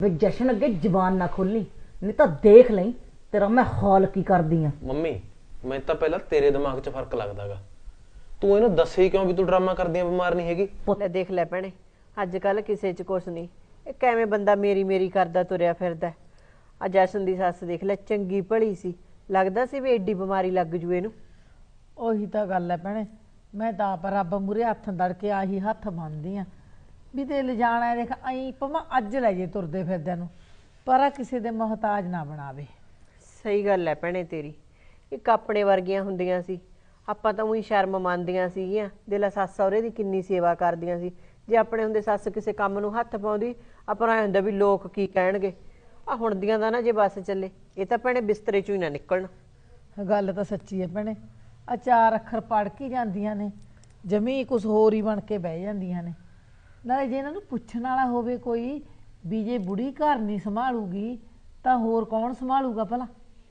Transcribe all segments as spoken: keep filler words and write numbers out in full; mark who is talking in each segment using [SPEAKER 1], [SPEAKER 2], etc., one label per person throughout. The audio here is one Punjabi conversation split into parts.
[SPEAKER 1] ਵੇ ਜਸ਼ਨ ਅੱਗੇ ਜ਼ਬਾਨ ਨਾ ਖੋਲੀ, ਨਹੀਂ ਤਾਂ ਦੇਖ ਲਈ ਤੇਰਾ ਮੈਂ ਹਾਲ ਕੀ ਕਰਦੀ ਆ।
[SPEAKER 2] ਮੰਮੀ ਮੈਂ ਤਾਂ ਪਹਿਲਾਂ ਤੇਰੇ ਦਿਮਾਗ 'ਚ ਫਰਕ ਲੱਗਦਾਗਾ, ਤੂੰ ਇਹਨੂੰ ਦੱਸੇ ਕਿਉਂ ਵੀ ਤੂੰ ਡਰਾਮਾ ਕਰਦੀ ਆ, ਬਿਮਾਰ ਨਹੀਂ ਹੈਗੀ।
[SPEAKER 3] ਲੈ ਦੇਖ ਲੈ ਭੈਣੇ, ਅੱਜ ਕੱਲ ਕਿਸੇ 'ਚ ਕੁਛ ਨਹੀਂ, ਇਹ ਕਿਵੇਂ ਬੰਦਾ ਮੇਰੀ ਮੇਰੀ ਕਰਦਾ ਤੁਰਿਆ ਫਿਰਦਾ। ਆ ਜਸ਼ਨ ਦੀ ਸੱਸ ਦੇਖ ਲੈ, ਚੰਗੀ ਭਲੀ ਸੀ, ਲੱਗਦਾ ਸੀ ਵੀ ਐਡੀ ਬਿਮਾਰੀ ਲੱਗ ਜੂ ਇਹਨੂੰ।
[SPEAKER 4] ਉਹੀ ਤਾਂ ਗੱਲ ਹੈ ਭੈਣੇ, ਮੈਂ ਤਾਂ ਆਪ ਰੱਬ ਮੂਹਰੇ ਹੱਥ ਦੜ ਕੇ ਆਹੀ ਹੱਥ ਬੰਨਦੀ ਆ ਵੀ ਤੇ ਲਿਜਾਣਾ ਦੇਖ ਐਂ ਭਾਵੇਂ ਅੱਜ ਲੈ ਜੇ ਤੁਰਦੇ ਫਿਰਦਿਆਂ ਨੂੰ, ਪਰ ਆ ਕਿਸੇ ਦੇ ਮੁਹਤਾਜ ਨਾ ਬਣਾਵੇ।
[SPEAKER 3] ਸਹੀ ਗੱਲ ਹੈ ਭੈਣੇ ਤੇਰੀ, ਇੱਕ ਆਪਣੇ ਵਰਗੀਆਂ ਹੁੰਦੀਆਂ ਸੀ, ਆਪਾਂ ਤਾਂ ਉਹੀ ਸ਼ਰਮ ਮੰਨਦੀਆਂ ਸੀਗੀਆਂ। ਦਿਲਾ ਸੱਸ ਸਹੁਰੇ ਦੀ ਕਿੰਨੀ ਸੇਵਾ ਕਰਦੀਆਂ ਸੀ, ਜੇ ਆਪਣੇ ਹੁੰਦੇ ਸੱਸ ਕਿਸੇ ਕੰਮ ਨੂੰ ਹੱਥ ਪਾਉਂਦੀ ਆਪਾਂ ਨੂੰ ਐਂ ਹੁੰਦਾ ਵੀ ਲੋਕ ਕੀ ਕਹਿਣਗੇ। ਆ ਹੁਣ ਦੀਆਂ ਦਾ ਨਾ ਜੇ ਬੱਸ ਚੱਲੇ, ਇਹ ਤਾਂ ਭੈਣੇ ਬਿਸਤਰੇ 'ਚੋਂ ਹੀ ਨਾ ਨਿਕਲਣ।
[SPEAKER 4] ਗੱਲ ਤਾਂ ਸੱਚੀ ਹੈ ਭੈਣੇ, ਆ ਚਾਰ ਅੱਖਰ ਪੜ੍ਹ ਕੇ ਜਾਂਦੀਆਂ ਨੇ, ਜਮੀ ਕੁਛ ਹੋਰ ਹੀ ਬਣ ਕੇ ਬਹਿ ਜਾਂਦੀਆਂ ਨੇ। ਨਾਲੇ ਜੇ ਇਹਨਾਂ ਨੂੰ ਪੁੱਛਣ ਵਾਲਾ ਹੋਵੇ ਕੋਈ ਵੀ ਜੇ ਬੁੜੀ ਘਰ ਨਹੀਂ ਸੰਭਾਲੂਗੀ ਤਾਂ ਹੋਰ ਕੌਣ ਸੰਭਾਲੂਗਾ ਭਲਾ।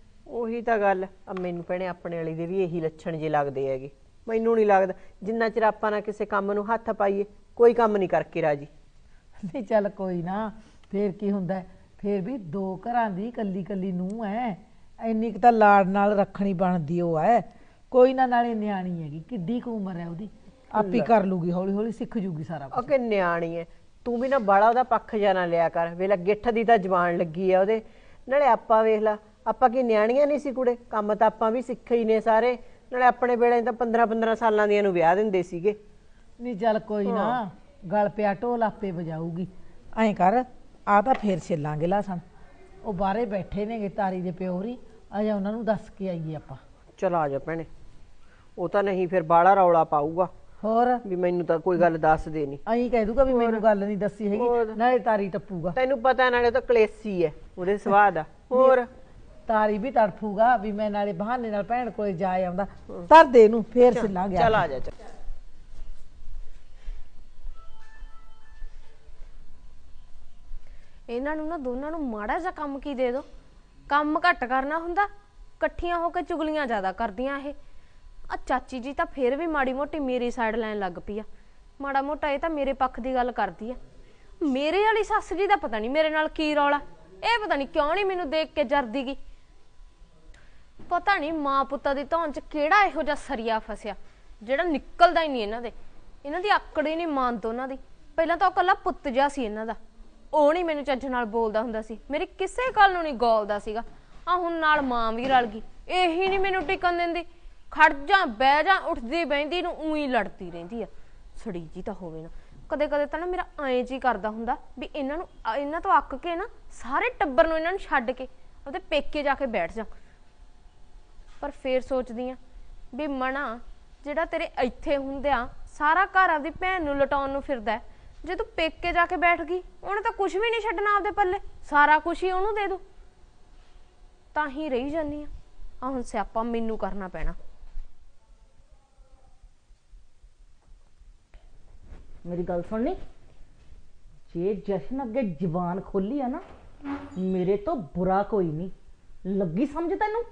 [SPEAKER 3] ਉਹੀ ਤਾਂ ਗੱਲ ਆ, ਮੈਨੂੰ ਭੈਣੇ ਆਪਣੇ ਵਾਲੀ ਦੇ ਵੀ ਇਹੀ ਲੱਛਣ ਜੇ ਲੱਗਦੇ ਹੈਗੇ। ਮੈਨੂੰ ਨਹੀਂ ਲੱਗਦਾ ਜਿੰਨਾ ਚਿਰ ਆਪਾਂ ਨਾ ਕਿਸੇ ਕੰਮ ਨੂੰ ਹੱਥ ਪਾਈਏ ਕੋਈ ਕੰਮ ਨਹੀਂ ਕਰਕੇ ਰਾਜੀ।
[SPEAKER 4] ਨਹੀਂ ਚੱਲ ਕੋਈ ਨਾ, ਫੇਰ ਕੀ ਹੁੰਦਾ, ਫੇਰ ਵੀ ਦੋ ਘਰਾਂ ਦੀ ਕੱਲੀ ਕੱਲੀ ਨੂੰਹ ਐ, ਇੰਨੀ ਕੁ ਤਾਂ ਲਾੜ ਨਾਲ ਰੱਖਣੀ ਬਣਦੀ ਉਹ ਐ। ਕੋਈ ਨਾ, ਨਾਲੇ ਨਿਆਣੀ ਹੈਗੀ, ਕਿੱਡੀ ਕੁ ਉਮਰ ਹੈ ਉਹਦੀ, ਆਪੀ ਕਰ ਲੂਗੀ, ਹੌਲੀ ਹੌਲੀ ਸਿੱਖ ਜੂਗੀ ਸਾਰਾ ਕੁਝ।
[SPEAKER 3] ਕਿ ਨਿਆਣੀ ਐ, ਤੂੰ ਵੀ ਨਾ ਬਾਲਾ ਉਹਦਾ ਪੱਖ ਜਾ ਨਾ ਲਿਆ ਕਰ। ਵੇਲਾ ਗਿੱਠ ਦੀ ਤਾਂ ਜਵਾਨ ਲੱਗੀ ਆ ਉਹਦੇ। ਨਾਲੇ ਆਪਾਂ ਵੇਖ ਲਾ, ਆਪਾਂ ਕੀ ਨਿਆਣੀਆਂ ਨਹੀਂ ਸੀ ਕੁੜੇ, ਕੰਮ ਤਾਂ ਆਪਾਂ ਵੀ ਸਿੱਖੇ ਹੀ ਨੇ ਸਾਰੇ। ਨਾਲੇ ਆਪਣੇ ਵੇਲੇ ਤਾਂ ਪੰਦਰਾਂ ਪੰਦਰਾਂ ਸਾਲਾਂ ਦੀਆਂ ਨੂੰ ਵਿਆਹ ਦਿੰਦੇ ਸੀਗੇ।
[SPEAKER 4] ਨਹੀਂ ਚੱਲ ਕੋਈ ਨਾ, ਗਲ ਪਿਆ ਢੋਲ ਆਪੇ ਵਜਾਊਗੀ। ਐਂ ਕਰ, ਆ ਤਾਂ ਫੇਰ ਛਿੱਲਾਂਗੇ ਲਸਣ, ਉਹ ਬਾਹਰੇ ਬੈਠੇ ਨੇਗੇ ਤਾਰੀ ਦੇ ਪਿਓਰੀ, ਅਜਾ ਉਹਨਾਂ ਨੂੰ ਦੱਸ ਕੇ ਆਈਏ ਆਪਾਂ।
[SPEAKER 3] ਚਲ ਆ ਜਾ ਭੈਣੇ, ਉਹ ਤਾਂ ਨਹੀਂ ਫਿਰ ਬਾਹਲਾ ਰੌਲਾ ਪਾਊਗਾ
[SPEAKER 4] ਹੋਰ
[SPEAKER 3] ਵੀ ਮੈਨੂੰ ਤਾਂ ਕੋਈ ਗੱਲ ਦੱਸ ਦੇ ਨਹੀਂ।
[SPEAKER 4] ਐਂ ਕਹਿ ਦੂਗਾ ਵੀ ਮੈਨੂੰ ਗੱਲ ਨਹੀਂ ਦੱਸੀ ਹੈਗੀ, ਨਾਲੇ ਤਾਰੀ ਟੱਪੂਗਾ।
[SPEAKER 3] ਤੈਨੂੰ ਪਤਾ ਨਾਲੇ ਤਾਂ ਕਲੇਸੀ ਐ ਉਹਦੇ ਸੁਭਾਅ ਦਾ। ਹੋਰ
[SPEAKER 4] ਤਾਰੀ ਵੀ ਤੜਫੂਗਾ ਵੀ ਮੈਂ ਨਾਲੇ ਬਹਾਨੇ ਨਾਲ ਭੈਣ ਕੋਲੇ ਜਾ ਆਉਂਦਾ। ਧਰ ਦੇ ਇਹਨੂੰ, ਫੇਰ ਛਿੱਲਾਂਗੇ।
[SPEAKER 3] ਚੱਲ ਆ ਜਾ। ਚੱਲ
[SPEAKER 5] ਇਹਨਾਂ ਨੂੰ ਨਾ ਦੋਨਾਂ ਨੂੰ ਮਾੜਾ ਜਿਹਾ ਕੰਮ ਕੀ ਦੇ ਦੋ, ਕੰਮ ਘੱਟ ਕਰਨਾ ਹੁੰਦਾ, ਇਕੱਠੀਆਂ ਹੋ ਕੇ ਚੁਗਲੀਆਂ ਜ਼ਿਆਦਾ ਕਰਦੀਆਂ ਇਹ। ਆ ਚਾਚੀ ਜੀ ਤਾਂ ਫੇਰ ਵੀ ਮਾੜੀ ਮੋਟੀ ਮੇਰੀ ਸਾਈਡ ਲੈਣ ਲੱਗ ਪਈ ਆ, ਮਾੜਾ ਮੋਟਾ ਇਹ ਤਾਂ ਮੇਰੇ ਪੱਖ ਦੀ ਗੱਲ ਕਰਦੀ ਆ। ਮੇਰੇ ਵਾਲੀ ਸੱਸ ਜੀ ਦਾ ਪਤਾ ਨਹੀਂ ਮੇਰੇ ਨਾਲ ਕੀ ਰੌਲਾ, ਇਹ ਪਤਾ ਨਹੀਂ ਕਿਉਂ ਨਹੀਂ ਮੈਨੂੰ ਦੇਖ ਕੇ ਜਰਦੀ ਗੀ। ਪਤਾ ਨਹੀਂ ਮਾਂ ਪੁੱਤਾਂ ਦੀ ਧੌਣ 'ਚ ਕਿਹੜਾ ਇਹੋ ਜਿਹਾ ਸਰੀਆ ਫਸਿਆ ਜਿਹੜਾ ਨਿਕਲਦਾ ਹੀ ਨਹੀਂ ਇਹਨਾਂ ਦੇ। ਇਹਨਾਂ ਦੀ ਆਕੜ ਹੀ ਨਹੀਂ ਮੰਨਦਾ ਉਹਨਾਂ ਦੀ। ਪਹਿਲਾਂ ਤਾਂ ਉਹ ਇਕੱਲਾ ਪੁੱਤ ਜਿਹਾ ਸੀ ਇਹਨਾਂ ਦਾ, ਉਹ ਨਹੀਂ ਮੈਨੂੰ ਚੱਜ ਨਾਲ ਬੋਲਦਾ ਹੁੰਦਾ ਸੀ, ਮੇਰੀ ਕਿਸੇ ਗੱਲ ਨੂੰ ਨਹੀਂ ਗੋਲਦਾ ਸੀਗਾ। ਆ ਹੁਣ ਨਾਲ ਮਾਂ ਵੀ ਰਲ ਗਈ, ਇਹੀ ਨਹੀਂ ਮੈਨੂੰ ਟਿਕਣ ਦਿੰਦੀ। ਖੜ ਜਾ ਬਹਿ ਜਾ, ਉੱਠਦੀ ਬਹਿੰਦੀ ਨੂੰ ਊਂ ਹੀ ਲੜਦੀ ਰਹਿੰਦੀ ਆ। ਸੜੀ ਜੀ ਤਾਂ ਹੋਵੇ ਨਾ, ਕਦੇ ਕਦੇ ਤਾਂ ਨਾ ਮੇਰਾ ਐਂ ਜੀ ਕਰਦਾ ਹੁੰਦਾ ਵੀ ਇਹਨਾਂ ਨੂੰ ਇਹਨਾਂ ਤੋਂ ਅੱਕ ਕੇ ਨਾ ਸਾਰੇ ਟੱਬਰ ਨੂੰ ਇਹਨਾਂ ਨੂੰ ਛੱਡ ਕੇ ਉਹਦੇ ਪੇਕੇ ਜਾ ਕੇ ਬੈਠ ਜਾ। ਪਰ ਫੇਰ ਸੋਚਦੀ ਆ ਵੀ ਮਣਾ ਜਿਹੜਾ ਤੇਰੇ ਇੱਥੇ ਹੁੰਦਿਆਂ ਸਾਰਾ ਘਰ ਆਪਦੀ ਭੈਣ ਨੂੰ ਲਟਾਉਣ ਨੂੰ ਫਿਰਦਾ, ਜੇ ਤੂੰ ਪੇਕੇ ਜਾ ਕੇ ਬੈਠ ਗਈ ਉਹਨੇ ਤਾਂ ਕੁਝ ਵੀ ਨਹੀਂ ਛੱਡਣਾ ਆਪਦੇ ਪੱਲੇ, ਸਾਰਾ ਕੁਝ ਹੀ ਉਹਨੂੰ ਦੇ ਦੂ। ਤਾਂ ਹੀ ਰਹੀ ਜਾਨੀ ਆ, ਆ ਹੁਣ ਸਿਆਪਾ ਮੈਨੂੰ ਕਰਨਾ ਪੈਣਾ।
[SPEAKER 1] ਮੇਰੀ ਗੱਲ ਸੁਣਨੀ, ਜੇ ਜਸ਼ਨ ਅੱਗੇ ਜ਼ਬਾਨ ਖੋਲੀ ਆ ਨਾ, ਮੇਰੇ ਤੋਂ ਬੁਰਾ ਕੋਈ ਨਹੀਂ। ਲੱਗੀ ਸਮਝ ਤੈਨੂੰ?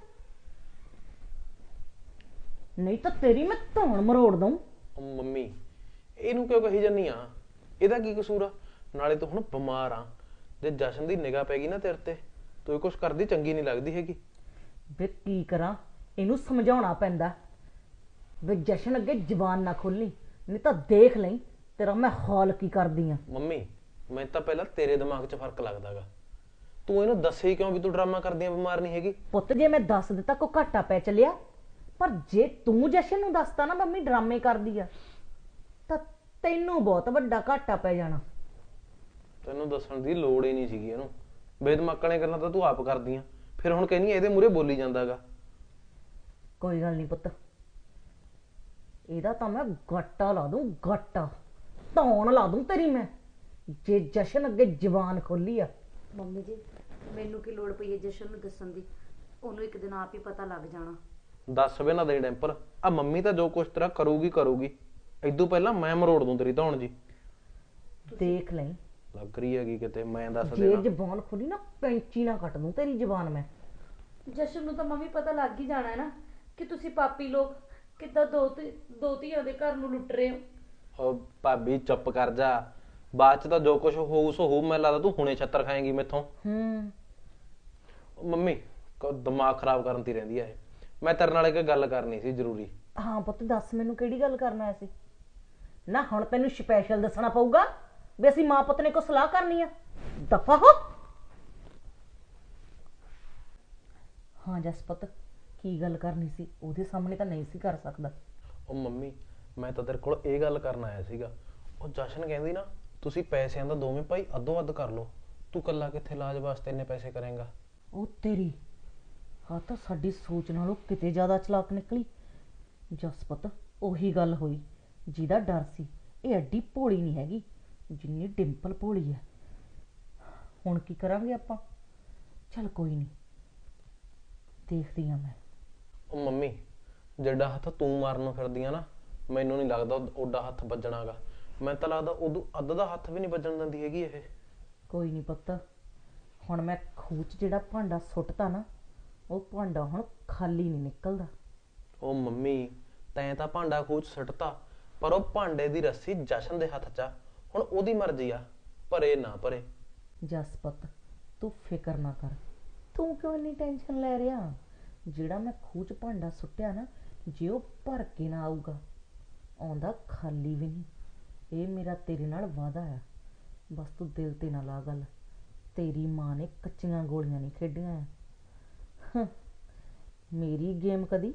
[SPEAKER 1] ਨਹੀਂ ਤਾਂ ਤੇਰੀ ਮੈਂ ਧੌਣ ਮਰੋੜ ਦਊਂ।
[SPEAKER 2] ਮੰਮੀ ਇਹਨੂੰ ਕਿਉਂ ਕਹੀ ਜਾਨੀ ਆ, ਇਹਦਾ ਕੀ ਕਸੂਰ ਆ? ਨਾਲੇ ਤੂੰ ਹੁਣ ਬਿਮਾਰ ਆ, ਜੇ ਜਸ਼ਨ ਦੀ ਨਿਗਾਹ ਪੈ ਗਈ ਨਾ ਤੇਰੇ ਤੇ, ਤੂੰ ਇਹ ਕੁਛ ਕਰਦੀ ਚੰਗੀ ਨਹੀਂ ਲੱਗਦੀ ਹੈਗੀ।
[SPEAKER 1] ਵੇ ਕੀ ਕਰਾਂ, ਇਹਨੂੰ ਸਮਝਾਉਣਾ ਪੈਂਦਾ। ਵੇ ਜਸ਼ਨ ਅੱਗੇ ਜ਼ਬਾਨ ਨਾ ਖੋਲੀ, ਨਹੀਂ ਤਾਂ ਦੇਖ ਲਈ ਤੇਰਾ ਮੈਂ ਹਾਲ ਕੀ ਕਰਦੀ ਆ।
[SPEAKER 2] ਮੰਮੀ ਮੈਂ ਤਾਂ ਪਹਿਲਾਂ ਤੇਰੇ ਦਿਮਾਗ 'ਚ ਫਰਕ ਲੱਗਦਾਗਾ, ਤੂੰ ਇਹਨੂੰ ਦੱਸੇ ਕਿਉਂ ਵੀ ਤੂੰ ਡਰਾਮਾ ਕਰਦੀ ਆ, ਬਿਮਾਰ ਨਹੀਂ ਹੈਗੀ।
[SPEAKER 1] ਪੁੱਤ ਜੇ ਮੈਂ ਦੱਸ ਦਿੱਤਾ ਕੋ ਘਾਟਾ ਪੈ ਚੱਲਿਆ, ਪਰ ਜੇ ਤੂੰ ਜਸ਼ਨ ਨੂੰ ਦੱਸਤਾ ਨਾ ਮੰਮੀ ਡਰਾਮੇ ਕਰਦੀ ਆ, ਤਾਂ ਤੈਨੂੰ ਬਹੁਤ ਵੱਡਾ ਘਾਟਾ ਪੈ ਜਾਣਾ।
[SPEAKER 2] ਤੈਨੂੰ ਦੱਸਣ ਦੀ ਲੋੜ ਹੀ ਨਹੀਂ ਸੀਗੀ ਇਹਨੂੰ, ਬੇਦਮਾਕਾਂ ਗੱਲਾਂ ਤਾਂ ਤੂੰ ਆਪ ਕਰਦੀ ਆ, ਫਿਰ ਹੁਣ ਕਹਿੰਦੀ ਇਹਦੇ ਮੂਹਰੇ ਬੋਲੀ ਜਾਂਦਾਗਾ।
[SPEAKER 1] ਕੋਈ ਗੱਲ ਨਹੀਂ ਪੁੱਤ, ਇਹਦਾ ਤਾਂ ਮੈਂ ਗਾਟਾ ਲਾ ਦੂੰ, ਗਾਟਾ ਧੌਣ ਲਾ ਦੂੰ ਤੇਰੀ ਮੈਂ, ਜੇ ਜਸ਼ਨ ਅੱਗੇ ਜ਼ਬਾਨ ਖੋਲੀ ਆ।
[SPEAKER 6] ਮੰਮੀ ਜੀ ਮੈਨੂੰ ਕੀ ਲੋੜ ਪਈ ਹੈ ਜਸ਼ਨ ਨੂੰ ਦੱਸਣ ਦੀ, ਉਹਨੂੰ ਇੱਕ ਦਿਨ ਆਪ ਹੀ ਪਤਾ ਲੱਗ ਜਾਣਾ।
[SPEAKER 2] ਦੱਸ ਵੇ ਨਾ ਦੇ ਡੈਂਪਰ, ਆ ਮੰਮੀ ਤਾਂ ਜੋ ਕੁਛ ਤੇਰਾ ਕਰੂਗੀ ਕਰੂਗੀ, ਇਦੋਂ ਪਹਿਲਾਂ ਮੈਂ ਮਰੋੜ ਦੂੰ ਤੇਰੀ ਧੌਣ ਜੀ।
[SPEAKER 1] ਦੇਖ ਲਈ
[SPEAKER 2] ਲੱਗ ਰਹੀ ਹੈਗੀ ਕਿਤੇ, ਮੈਂ ਦੱਸ
[SPEAKER 1] ਜੇ
[SPEAKER 2] ਦੇਣਾ।
[SPEAKER 1] ਜ਼ਬਾਨ ਖੋਲੀ ਨਾ ਪੈਂਚੀ ਨਾ ਕੱਟ ਦੂੰ ਤੇਰੀ ਜ਼ਬਾਨ ਮੈਂ।
[SPEAKER 6] ਜਸ਼ਨ ਨੂੰ ਤਾਂ ਮੰਮੀ ਪਤਾ ਲੱਗ ਹੀ ਜਾਣਾ ਹੈ ਨਾ ਕਿ ਤੁਸੀਂ ਪਾਪੀ ਲੋਕ ਕਿੱਦਾਂ ਦੋ ਦੋ ਧੀਆਂ ਦੇ ਘਰ ਨੂੰ ਲੁੱਟ ਰਹੇ ਹੋ।
[SPEAKER 2] ਓ ਭਾਬੀ ਚੁੱਪ ਕਰ ਜਾ, ਬਾਅਦ ਚ ਤਾਂ ਜੋ ਕੁਝ ਹੋਊ ਸੋ ਹੋਊ। ਮੈਨੂੰ ਲੱਗਦਾ ਤੂੰ ਹੁਣੇ ਛੱਤਰ ਖਾਏਂਗੀ ਮੈਥੋਂ।
[SPEAKER 1] ਹੂੰ
[SPEAKER 2] ਉਹ ਮੰਮੀ ਕ- ਦਿਮਾਗ ਖਰਾਬ ਕਰਨ ਦੀ ਰਹਿੰਦੀ ਆ ਇਹ। ਮੈਂ ਤੇਰੇ ਨਾਲ ਇੱਕ ਗੱਲ ਕਰਨੀ ਸੀ ਜ਼ਰੂਰੀ।
[SPEAKER 1] ਹਾਂ ਪੁੱਤ ਦੱਸ ਮੈਨੂੰ ਕਿਹੜੀ ਗੱਲ ਕਰਨਾ ਆਇਆ ਸੀ? ਨਾ ਹੁਣ ਤੈਨੂੰ ਸਪੈਸ਼ਲ ਦੱਸਣਾ ਪਊਗਾ ਵੀ ਅਸੀਂ ਮਾਂ ਪੁੱਤ ਨੇ ਕੋ ਸਲਾਹ ਕਰਨੀ ਆ। ਦਫਾ ਹੋ। ਹਾਂ ਜਸਪਤ ਕੀ ਗੱਲ ਕਰਨੀ ਸੀ? ਉਹਦੇ ਸਾਹਮਣੇ ਤਾਂ ਨਹੀਂ ਸੀ ਕਰ ਸਕਦਾ।
[SPEAKER 2] ਉਹ ਮੰਮੀ ਮੈਂ ਤਾਂ ਤੇਰੇ ਕੋਲ ਇਹ ਗੱਲ ਕਰਨ ਆਇਆ ਸੀਗਾ। ਉਹ ਜਸ਼ਨ ਕਹਿੰਦੀ ਨਾ ਤੁਸੀਂ ਪੈਸਿਆਂ ਦਾ ਦੋਵੇਂ ਭਾਈ ਅੱਧੋ ਅੱਧ ਕਰ ਲਓ। ਤੂੰ ਕੱਲਾ ਕਿੱਥੇ ਇਲਾਜ ਵਾਸਤੇ ਇੰਨੇ ਪੈਸੇ ਕਰੇਂਗਾ?
[SPEAKER 1] ਉਹ ਤੇਰੀ ਹਾਂ ਤਾਂ ਸਾਡੀ ਸੋਚ ਨਾਲੋਂ ਕਿਤੇ ਜ਼ਿਆਦਾ ਚਲਾਕ ਨਿਕਲੀ। ਜਸਪਤ ਉਹੀ ਗੱਲ ਹੋਈ ਜਿਹਦਾ ਡਰ ਸੀ। ਇਹ ਐਡੀ ਭੋਲੀ ਨਹੀਂ ਹੈਗੀ ਜਿੰਨੀ ਡਿੰਪਲ ਭੋਲੀ ਹੈ। ਹੁਣ ਕੀ ਕਰਾਂਗੇ ਆਪਾਂ? ਚੱਲ ਕੋਈ ਨਹੀਂ, ਦੇਖਦੀ ਹਾਂ ਮੈਂ।
[SPEAKER 2] ਉਹ ਮੰਮੀ ਜਿਹੜਾ ਹੱਥ ਤੂੰ ਮਾਰਨ ਨੂੰ ਫਿਰਦੀ ਆ ਨਾ, ਮੈਨੂੰ ਨਹੀਂ ਲੱਗਦਾ ਓਡਾ ਹੱਥ ਵੱਜਣਾਗਾ। ਮੈਨੂੰ ਤਾਂ ਲੱਗਦਾ ਉਦੋਂ ਅੱਧ ਦਾ ਹੱਥ ਵੀ ਨਹੀਂ ਵੱਜਣ ਦਿੰਦੀ ਹੈਗੀ ਇਹ।
[SPEAKER 1] ਕੋਈ ਨਹੀਂ ਪੁੱਤ, ਹੁਣ ਮੈਂ ਖੂਹ 'ਚ ਜਿਹੜਾ ਭਾਂਡਾ ਸੁੱਟਤਾ ਨਾ, ਉਹ ਭਾਂਡਾ ਹੁਣ ਖਾਲੀ ਨਹੀਂ ਨਿਕਲਦਾ।
[SPEAKER 2] ਉਹ ਮੰਮੀ ਤੈਂ ਤਾਂ ਭਾਂਡਾ ਖੂਹ 'ਚ ਸੁੱਟਤਾ, ਪਰ ਉਹ ਭਾਂਡੇ ਦੀ ਰੱਸੀ ਜਸ਼ਨ ਦੇ ਹੱਥ 'ਚ ਆ। ਹੁਣ ਉਹਦੀ ਮਰਜ਼ੀ ਆ, ਭਰੇ ਨਾ ਭਰੇ।
[SPEAKER 1] ਜਸਪਤ ਤੂੰ ਫਿਕਰ ਨਾ ਕਰ। ਤੂੰ ਕਿਉਂ ਇੰਨੀ ਟੈਨਸ਼ਨ ਲੈ ਰਿਹਾ? ਜਿਹੜਾ ਮੈਂ ਖੂਹ 'ਚ ਭਾਂਡਾ ਸੁੱਟਿਆ ਨਾ, ਜੇ ਉਹ ਭਰ ਕੇ ਨਾ ਆਊਗਾ, ਆਉਂਦਾ ਖਾਲੀ ਵੀ ਨਹੀਂ। ਇਹ ਮੇਰਾ ਤੇਰੇ ਨਾਲ ਵਾਅਦਾ ਆ। ਬਸ ਤੂੰ ਦਿਲ ਤੇ ਨਾ ਲਾ ਗੱਲ। ਤੇਰੀ ਮਾਂ ਨੇ ਕੱਚੀਆਂ ਗੋਲੀਆਂ ਨਹੀਂ ਖੇਡੀਆਂ ਆ। ਹੰ, ਮੇਰੀ ਗੇਮ ਕਦੀ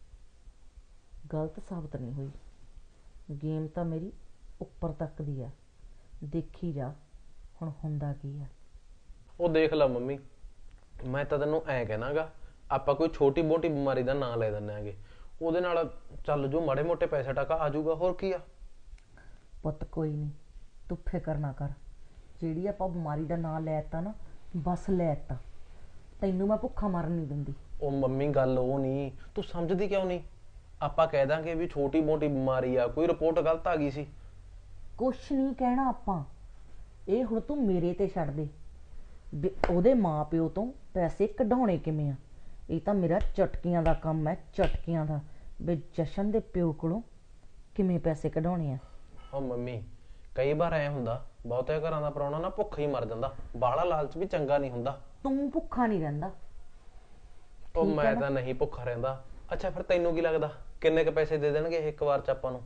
[SPEAKER 1] ਗਲਤ ਸਾਬਤ ਨਹੀਂ ਹੋਈ। ਗੇਮ ਤਾਂ ਮੇਰੀ ਉੱਪਰ ਤੱਕ ਦੀ ਆ। ਦੇਖੀ ਜਾ ਹੁਣ ਹੁੰਦਾ ਕੀ ਆ।
[SPEAKER 2] ਉਹ ਦੇਖ ਲੈ ਮੰਮੀ, ਮੈਂ ਤਾਂ ਤੈਨੂੰ ਐਂ ਕਹਿਣਾਗਾ, ਆਪਾਂ ਕੋਈ ਛੋਟੀ ਮੋਟੀ ਬਿਮਾਰੀ ਦਾ ਨਾਂ ਲੈ ਦਿੰਦੇ ਆਂਗੇ, ਉਹਦੇ ਨਾਲ ਚੱਲ ਜੋ ਮਾੜੇ ਮੋਟੇ ਪੈਸੇ ਟਕਾ ਆ ਜਾਊਗਾ। ਹੋਰ ਕੀ ਆ?
[SPEAKER 1] ਪੁੱਤ ਕੋਈ ਨਹੀਂ, ਤੂੰ ਫਿਕਰ ਨਾ ਕਰ। ਜਿਹੜੀ ਆਪਾਂ ਬਿਮਾਰੀ ਦਾ ਨਾਂ ਲੈਤਾ ਨਾ, ਬਸ ਲੈਤਾ। ਤੈਨੂੰ ਮੈਂ ਭੁੱਖਾ ਮਰਨ ਨਹੀਂ ਦਿੰਦੀ।
[SPEAKER 2] ਉਹ ਮੰਮੀ ਗੱਲ ਉਹ ਨਹੀਂ, ਤੂੰ ਸਮਝਦੀ ਕਿਉਂ ਨਹੀਂ? ਆਪਾਂ ਕਹਿ ਦਾਂਗੇ ਵੀ ਛੋਟੀ ਮੋਟੀ ਬਿਮਾਰੀ ਆ, ਕੋਈ ਰਿਪੋਰਟ ਗਲਤ ਆ ਗਈ ਸੀ।
[SPEAKER 1] ਕੁਛ ਨਹੀਂ ਕਹਿਣਾ ਆਪਾਂ। ਇਹ ਹੁਣ ਤੂੰ ਮੇਰੇ ਤੇ ਛੱਡ ਦੇ ਵੀ ਉਹਦੇ ਮਾਂ ਪਿਓ ਤੋਂ ਪੈਸੇ ਕਢਾਉਣੇ ਕਿਵੇਂ ਆ। ਇਹ ਤਾਂ ਮੇਰਾ ਚਟਕੀਆਂ ਦਾ ਕੰਮ ਹੈ, ਚਟਕੀਆਂ ਦਾ, ਵੀ ਜਸ਼ਨ ਦੇ ਪਿਓ ਕੋਲੋਂ ਕਿਵੇਂ ਪੈਸੇ ਕਢਾਉਣੇ ਆ।
[SPEAKER 2] ਉਹ ਮੰਮੀ ਕਈ ਵਾਰ ਐ ਹੁੰਦਾ, ਬਹੁਤੇ ਘਰਾਂ ਦਾ ਪ੍ਰਾਹੁਣਾ ਨਾ ਭੁੱਖ ਹੀ ਮਰ ਜਾਂਦਾ। ਬਾਹਲਾ ਲਾਲਚ ਵੀ ਚੰਗਾ ਨਹੀਂ ਹੁੰਦਾ।
[SPEAKER 1] ਤੂੰ ਭੁੱਖਾ ਨਹੀਂ ਰਹਿੰਦਾ।
[SPEAKER 2] ਉਹ
[SPEAKER 1] ਠੀਕ ਹੈ
[SPEAKER 2] ਮੈਂ
[SPEAKER 1] ਨਾ?
[SPEAKER 2] ਤਾਂ ਨਹੀਂ ਭੁੱਖਾ ਰਹਿੰਦਾ। ਅੱਛਾ ਫਿਰ ਤੈਨੂੰ ਕੀ ਲੱਗਦਾ ਕਿੰਨੇ ਕ ਪੈਸੇ ਦੇ ਦੇਣਗੇ ਇਹ ਇੱਕ ਵਾਰ ਚ ਆਪਾਂ ਨੂੰ?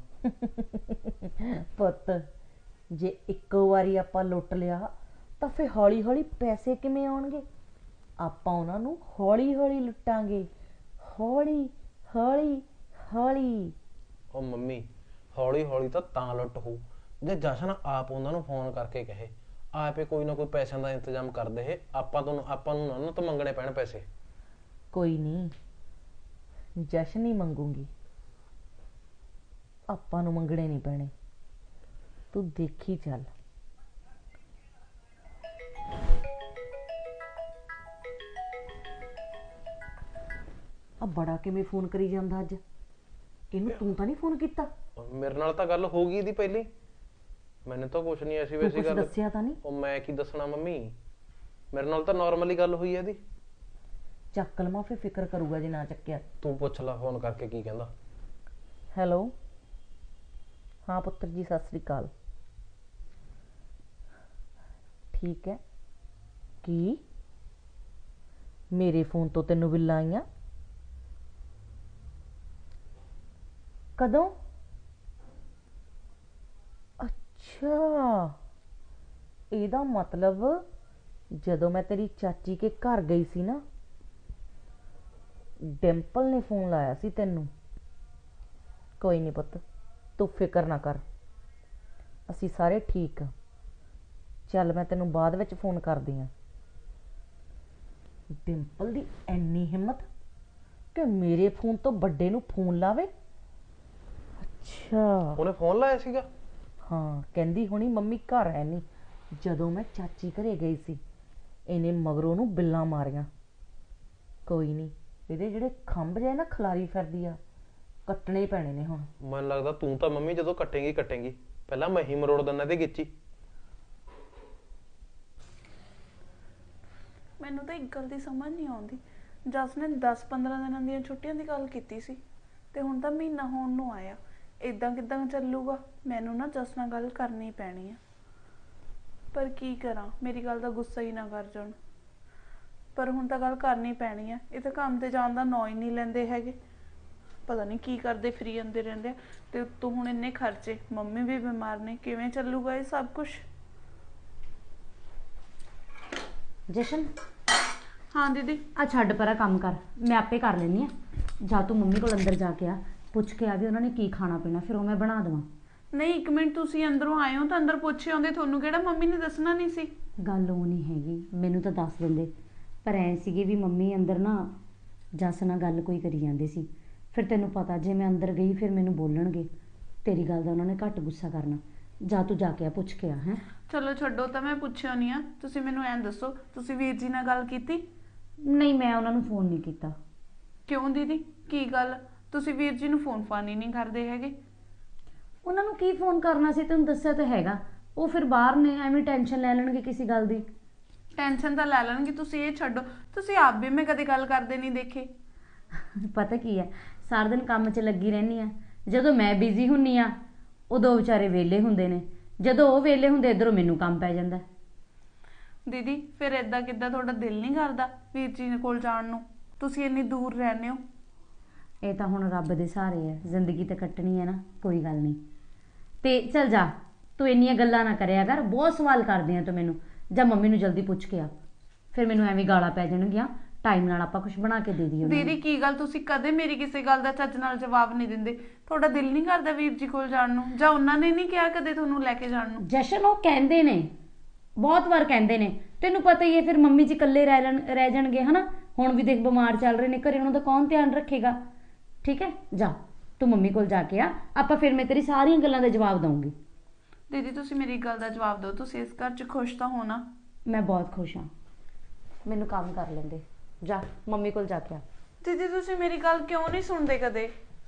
[SPEAKER 1] ਪੁੱਤ ਜੇ ਇੱਕੋ ਵਾਰੀ ਆਪਾਂ ਲੁੱਟ ਲਿਆ ਤਾਂ ਫਿਰ ਹੌਲੀ ਹੌਲੀ ਪੈਸੇ ਕਿਵੇਂ ਆਉਣਗੇ? ਆਪਾਂ ਉਹਨਾਂ ਨੂੰ ਹੌਲੀ ਹੌਲੀ ਲੁੱਟਾਂਗੇ। ਹੌਲੀ ਹੌਲੀ ਹੌਲੀ।
[SPEAKER 2] ਉਹ ਮੰਮੀ ਹੌਲੀ ਹੌਲੀ ਤਾਂ ਤਾਂ ਲੁੱਟ ਹੋਊ ਜੇ ਜਸ਼ਨ ਆਪ ਉਹਨਾਂ ਨੂੰ ਫੋਨ ਕਰਕੇ ਕਹੇ, ਆਪੇ ਕੋਈ ਨਾ ਕੋਈ ਪੈਸਿਆਂ ਦਾ ਇੰਤਜ਼ਾਮ ਕਰ ਦੇ। ਆਪਾਂ ਤੋਂ ਆਪਾਂ ਨੂੰ ਉਹਨਾਂ ਤੋਂ ਮੰਗਣੇ ਪੈਣ ਪੈਸੇ।
[SPEAKER 1] ਕੋਈ ਨਹੀਂ, ਜਸ਼ਨ ਹੀ ਮੰਗੂਗੀ, ਆਪਾਂ ਨੂੰ ਮੰਗਣੇ ਨਹੀਂ ਪੈਣੇ। ਤੂੰ ਦੇਖੀ ਚੱਲ। ਆ ਬੜਾ ਕਿਵੇਂ ਫੋਨ ਕਰੀ ਜਾਂਦਾ ਅੱਜ? ਇਹਨੂੰ ਤੂੰ ਤਾਂ ਨਹੀਂ ਫੋਨ ਕੀਤਾ?
[SPEAKER 2] ਮੇਰੇ ਨਾਲ ਤਾਂ ਗੱਲ ਹੋ ਗਈ ਇਹਦੀ ਪਹਿਲੀ। ਮੈਨੂੰ ਤਾਂ ਕੁਛ ਨਹੀਂ ਐਸੀ
[SPEAKER 1] ਤੂੰ
[SPEAKER 2] ਵੈਸੀ
[SPEAKER 1] ਕੁਛ
[SPEAKER 2] ਗੱਲ।
[SPEAKER 1] ਦੱਸਿਆ ਤਾਂ ਨਹੀਂ?
[SPEAKER 2] ਉਹ ਮੈਂ ਕੀ ਦੱਸਣਾ ਮੰਮੀ, ਮੇਰੇ ਨਾਲ ਤਾਂ ਨਾਰਮਲੀ ਗੱਲ ਹੋਈ ਹੈ ਇਹਦੀ।
[SPEAKER 1] ਚੱਕ ਲਵਾਂ ਫਿਰ, ਫਿਕਰ ਕਰੂਗਾ ਜੇ ਨਾ ਚੱਕਿਆ।
[SPEAKER 2] ਤੂੰ ਪੁੱਛ ਲੈ ਫੋਨ ਕਰਕੇ ਕੀ ਕਹਿੰਦਾ।
[SPEAKER 1] ਹੈਲੋ, ਹਾਂ ਪੁੱਤਰ ਜੀ ਸਤਿ ਸ੍ਰੀ ਅਕਾਲ। ਠੀਕ ਹੈ। ਕੀ ਮੇਰੇ ਫੋਨ ਤੋਂ ਤੈਨੂੰ ਬਿੱਲਾਂ ਆਈਆਂ? ਕਦੋਂ? ਅੱਛਾ, ਇਹਦਾ ਮਤਲਬ ਜਦੋਂ ਮੈਂ ਤੇਰੀ ਚਾਚੀ ਕੇ ਘਰ ਗਈ ਸੀ ਨਾ, ਡਿੰਪਲ ਨੇ ਫੋਨ ਲਾਇਆ ਸੀ ਤੈਨੂੰ। ਕੋਈ ਨਹੀਂ ਪੁੱਤ, ਤੂੰ ਫਿਕਰ ਨਾ ਕਰ, ਅਸੀਂ ਸਾਰੇ ਠੀਕ ਆ। ਚੱਲ ਮੈਂ ਤੈਨੂੰ ਬਾਅਦ ਵਿੱਚ ਫੋਨ ਕਰਦੀ ਆ। ਡਿੰਪਲ ਦੀ ਇੰਨੀ ਹਿੰਮਤ ਕਿ ਮੇਰੇ ਫੋਨ ਤੋਂ ਵੱਡੇ ਨੂੰ ਫੋਨ ਲਾਵੇ। ਅੱਛਾ
[SPEAKER 2] ਉਹਨੇ ਫੋਨ ਲਾਇਆ ਸੀਗਾ?
[SPEAKER 1] ਹਾਂ, ਕਹਿੰਦੀ ਹੋਣੀ ਮੰਮੀ ਘਰ ਹੈ ਨਹੀਂ। ਜਦੋਂ ਮੈਂ ਚਾਚੀ ਘਰੇ ਗਈ ਸੀ, ਇਹਨੇ ਮਗਰੋਂ ਨੂੰ ਬਿੱਲਾਂ ਮਾਰੀਆਂ। ਕੋਈ ਨਹੀਂ, ਇਹਦੇ ਜਿਹੜੇ ਖੰਭ ਜਿਹੇ ਨਾ ਖਲਾਰੀ ਫਿਰਦੀ ਆ, ਕੱਟਣੇ ਪੈਣੇ ਨੇ ਹੁਣ।
[SPEAKER 2] ਮੈਨੂੰ ਲੱਗਦਾ ਤੂੰ ਤਾਂ ਮੰਮੀ ਜਦੋਂ ਕੱਟੇਂਗੀ ਕੱਟੇਂਗੀ, ਪਹਿਲਾਂ ਮੈਂ ਹੀ ਮਰੋੜ ਦਿੰਦਾ ਤੇ ਗਿੱਚੀ।
[SPEAKER 7] ਮੈਨੂੰ ਤਾਂ ਇੱਕ ਗੱਲ ਦੀ ਸਮਝ ਨਹੀਂ ਆਉਂਦੀ। ਜਸ ਨੇ ਦਸ ਪੰਦਰਾਂ ਦਿਨਾਂ ਦੀਆਂ ਛੁੱਟੀਆਂ ਦੀ ਗੱਲ ਕੀਤੀ ਸੀ ਤੇ ਹੁਣ ਤਾਂ ਮਹੀਨਾ ਹੋਣ ਨੂੰ ਆਇਆ। ਇਦਾਂ ਕਿਦਾਂ ਚੱਲੂਗਾ? ਮੈਨੂੰ ਨਾ ਜਸ ਨਾਲ ਗੱਲ ਕਰਨੀ ਪੈਣੀ ਆ। ਪਰ ਕੀ ਕਰਾਂ, ਮੇਰੀ ਗੱਲ ਦਾ ਗੁੱਸਾ ਹੀ ਨਾ ਕਰ ਜਾਣ। ਪਰ ਹੁਣ ਤਾਂ ਗੱਲ ਕਰਨੀ ਪੈਣੀ ਆ, ਇਹ ਤਾਂ ਕੰਮ ਤੇ ਜਾਣ ਦਾ ਨਾਂ ਹੀ ਨਹੀਂ ਲੈਂਦੇ ਹੈਗੇ। ਪਤਾ ਨਹੀਂ ਕੀ ਕਰਦੇ ਫਰੀ ਜਾਂਦੇ ਰਹਿੰਦੇ ਆ। ਤੇ ਉੱਤੋਂ ਹੁਣ ਇੰਨੇ ਖਰਚੇ, ਮੰਮੀ ਵੀ ਬਿਮਾਰ ਨੇ, ਕਿਵੇਂ ਚੱਲੂਗਾ ਇਹ ਸਭ ਕੁਝ?
[SPEAKER 6] ਜਸ਼ਨ,
[SPEAKER 7] ਹਾਂ ਦੀਦੀ।
[SPEAKER 6] ਆ ਛੱਡ ਪਰਾਂ ਕੰਮ ਕਰ, ਮੈਂ ਆਪੇ ਕਰ ਲੈਂਦੀ ਆ। ਜਾ ਤੂੰ ਮੰਮੀ ਕੋਲ ਅੰਦਰ ਜਾ ਕੇ ਆ, ਪੁੱਛ ਕੇ ਆ ਵੀ ਉਹਨਾਂ ਨੇ ਕੀ ਖਾਣਾ ਪੀਣਾ, ਫਿਰ ਉਹ ਮੈਂ ਬਣਾ ਦੇਵਾਂ।
[SPEAKER 7] ਨਹੀਂ ਇੱਕ ਮਿੰਟ, ਤੁਸੀਂ ਅੰਦਰੋਂ ਆਏ ਹੋ ਤਾਂ ਅੰਦਰ ਪੁੱਛੇ ਆਉਂਦੇ, ਤੁਹਾਨੂੰ ਕਿਹੜਾ ਮੰਮੀ ਨੇ ਦੱਸਣਾ ਨਹੀਂ ਸੀ?
[SPEAKER 6] ਗੱਲ ਉਹ ਨਹੀਂ ਹੈਗੀ, ਮੈਨੂੰ ਤਾਂ ਦੱਸ ਦਿੰਦੇ, ਪਰ ਐ ਸੀਗੇ ਵੀ ਮੰਮੀ ਅੰਦਰ ਨਾ ਜੱਸ ਨਾਲ ਗੱਲ ਕੋਈ ਕਰੀ ਜਾਂਦੇ ਸੀ। ਫਿਰ ਤੈਨੂੰ ਪਤਾ ਜੇ ਮੈਂ ਅੰਦਰ ਗਈ ਫਿਰ ਮੈਨੂੰ ਬੋਲਣਗੇ, ਤੇਰੀ ਗੱਲ ਦਾ ਉਹਨਾਂ ਨੇ ਘੱਟ ਗੁੱਸਾ ਕਰਨਾ। ਜਾ ਤੂੰ ਜਾ ਕੇ ਆ, ਪੁੱਛ ਕੇ ਆ। ਹੈ
[SPEAKER 7] ਚਲੋ ਛੱਡੋ, ਤਾਂ ਮੈਂ ਪੁੱਛਿਆ ਨਹੀਂ ਆ। ਤੁਸੀਂ ਮੈਨੂੰ ਐਂ ਦੱਸੋ, ਤੁਸੀਂ ਵੀਰ ਜੀ ਨਾਲ ਗੱਲ ਕੀਤੀ?
[SPEAKER 6] ਨਹੀਂ, ਮੈਂ ਉਹਨਾਂ ਨੂੰ ਫੋਨ ਨਹੀਂ ਕੀਤਾ।
[SPEAKER 7] ਕਿਉਂ ਦੀਦੀ, ਕੀ ਗੱਲ? ਤੁਸੀਂ ਵੀਰ ਜੀ ਨੂੰ ਫੋਨ ਫਾਨ ਹੀ ਨਹੀਂ ਕਰਦੇ ਹੈਗੇ?
[SPEAKER 6] ਉਹਨਾਂ ਨੂੰ ਕੀ ਫੋਨ ਕਰਨਾ ਸੀ, ਤੈਨੂੰ ਦੱਸਿਆ ਤਾਂ ਹੈਗਾ। ਉਹ ਫਿਰ ਬਾਹਰ ਨੇ, ਐਵੇਂ ਟੈਨਸ਼ਨ ਲੈ ਲੈਣਗੇ ਕਿਸੇ ਗੱਲ ਦੀ।
[SPEAKER 7] ਟੈਨਸ਼ਨ ਤਾਂ ਲੈ ਲੈਣਗੇ, ਤੁਸੀਂ ਇਹ ਛੱਡੋ। ਤੁਸੀਂ ਆਪ ਵੀ ਮੈਂ ਕਦੇ ਗੱਲ ਕਰਦੇ ਨਹੀਂ ਦੇਖੇ।
[SPEAKER 6] ਪਤਾ ਕੀ ਹੈ, ਸਾਰਾ ਦਿਨ ਕੰਮ 'ਚ ਲੱਗੀ ਰਹਿੰਦੀ ਆ। ਜਦੋਂ ਮੈਂ ਬਿਜ਼ੀ ਹੁੰਨੀ ਆ ਉਦੋਂ ਵਿਚਾਰੇ ਵਿਹਲੇ ਹੁੰਦੇ ਨੇ, ਜਦੋਂ ਉਹ ਵਿਹਲੇ ਹੁੰਦੇ ਇੱਧਰੋਂ ਮੈਨੂੰ ਕੰਮ ਪੈ ਜਾਂਦਾ।
[SPEAKER 7] ਦੀਦੀ ਫਿਰ ਏਦਾਂ ਕਿੱਦਾਂ, ਤੁਹਾਡਾ ਦਿਲ ਨਹੀਂ ਕਰਦਾ ਵੀਰ ਜੀ ਕੋਲ ਜਾਣ ਨੂੰ? ਤੁਸੀਂ ਇੰਨੀ ਦੂਰ ਰਹਿੰਦੇ ਹੋ।
[SPEAKER 6] ਇਹ ਤਾਂ ਹੁਣ ਰੱਬ ਦੇ ਸਹਾਰੇ ਹੈ, ਜ਼ਿੰਦਗੀ ਤਾਂ ਕੱਟਣੀ ਹੈ ਨਾ, ਕੋਈ ਗੱਲ ਨਹੀਂ। ਤੇ ਚੱਲ ਜਾ, ਤੂੰ ਇੰਨੀਆਂ ਗੱਲਾਂ ਨਾ ਕਰਿਆ ਕਰ, ਬਹੁਤ ਸਵਾਲ ਕਰਦੀ ਆ ਤੂੰ ਮੈਨੂੰ। ਜਾਂ ਮੰਮੀ ਨੂੰ ਜਲਦੀ ਪੁੱਛ ਕੇ ਆ, ਫਿਰ ਮੈਨੂੰ ਐਵੇਂ ਗਾਲਾਂ ਪੈ ਜਾਣਗੀਆਂ। ਟਾਈਮ ਨਾਲ ਆਪਾਂ ਕੁਝ ਬਣਾ ਕੇ ਦੇ ਦਈਏ।
[SPEAKER 7] ਦੀਦੀ ਕੀ ਗੱਲ, ਤੁਸੀਂ ਕਦੇ ਮੇਰੀ ਕਿਸੇ ਗੱਲ ਦਾ ਚੱਜ ਨਾਲ ਜਵਾਬ ਨਹੀਂ ਦਿੰਦੇ। ਤੁਹਾਡਾ ਦਿਲ ਨਹੀਂ ਕਰਦਾ ਵੀਰ ਜੀ ਕੋਲ ਜਾਣ ਨੂੰ? ਜਾਂ ਉਹਨਾਂ ਨੇ ਨਹੀਂ ਕਿਹਾ ਕਦੇ ਤੁਹਾਨੂੰ ਲੈ ਕੇ ਜਾਣ ਨੂੰ?
[SPEAKER 6] ਜਸ਼ਨ, ਉਹ ਕਹਿੰਦੇ ਨੇ, ਬਹੁਤ ਵਾਰ ਕਹਿੰਦੇ ਨੇ, ਤੈਨੂੰ ਪਤਾ ਹੀ ਹੈ। ਫਿਰ ਮੰਮੀ ਜੀ ਇਕੱਲੇ ਰਹਿ ਲੈਣ ਰਹਿ ਜਾਣਗੇ ਹਨਾ। ਹੁਣ ਵੀ ਦੇਖ ਬਿਮਾਰ ਚੱਲ ਰਹੇ ਨੇ ਘਰੇ, ਉਹਨਾਂ ਦਾ ਕੌਣ ਧਿਆਨ ਰੱਖੇਗਾ? ਠੀਕ ਹੈ, ਜਾ ਤੂੰ ਮੰਮੀ ਕੋਲ ਜਾ ਕੇ ਆ, ਆਪਾਂ ਫਿਰ ਮੈਂ ਤੇਰੀ ਸਾਰੀਆਂ ਗੱਲਾਂ ਦਾ ਜਵਾਬ ਦਊਂਗੀ।
[SPEAKER 7] ਦੀਦੀ ਤੁਸੀਂ ਮੇਰੀ ਗੱਲ ਦਾ ਜਵਾਬ ਦਿਓ, ਤੁਸੀਂ ਇਸ ਘਰ 'ਚ ਖੁਸ਼ ਤਾਂ ਹੋ ਨਾ?
[SPEAKER 6] ਮੈਂ ਬਹੁਤ ਖੁਸ਼ ਹਾਂ, ਮੈਨੂੰ ਕੰਮ ਕਰ ਲੈਂਦੇ। ਜਾ ਮੰਮੀ ਕੋਲ ਜਾ ਕੇ ਆ।
[SPEAKER 7] ਦੀਦੀ ਤੁਸੀਂ ਮੇਰੀ ਗੱਲ ਕਿਉਂ ਨਹੀਂ ਸੁਣਦੇ ਕਦੇ?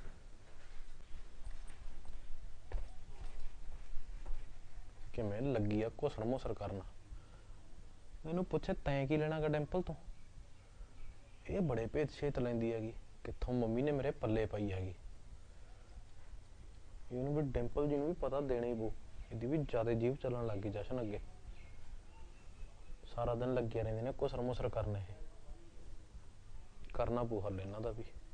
[SPEAKER 2] ਕਿਵੇਂ ਲੱਗੀ ਆ ਘੁਸਰ ਮੁਸਰ ਕਰਨਾ। ਮੈਨੂੰ ਪੁੱਛੇ ਤੈਂ ਕੀ ਲੈਣਾ ਗਾ ਡਿੰਪਲ ਤੋਂ? ਇਹ ਬੜੇ ਭੇਤ ਛੇਤ ਲੈਂਦੀ ਹੈਗੀ, ਕਿੱਥੋਂ ਮੰਮੀ ਨੇ ਮੇਰੇ ਪੱਲੇ ਪਾਈ ਹੈਗੀ। ਇਹਨੂੰ ਵੀ ਡਿੰਪਲ ਜੀ ਨੂੰ ਵੀ ਪਤਾ ਦੇਣਾ ਹੀ ਪਊ, ਇਹਦੀ ਵੀ ਜ਼ਿਆਦਾ ਜੀਭ ਚੱਲਣ ਲੱਗ ਗਈ ਜਸ਼ਨ ਅੱਗੇ। ਸਾਰਾ ਦਿਨ ਲੱਗੇ ਰਹਿੰਦੇ ਨੇ ਘੁਸਰ ਮੁਸਰ ਕਰਨ, ਇਹ ਕਰਨਾ ਪਊ ਹੱਲ ਇਹਨਾਂ ਦਾ ਵੀ।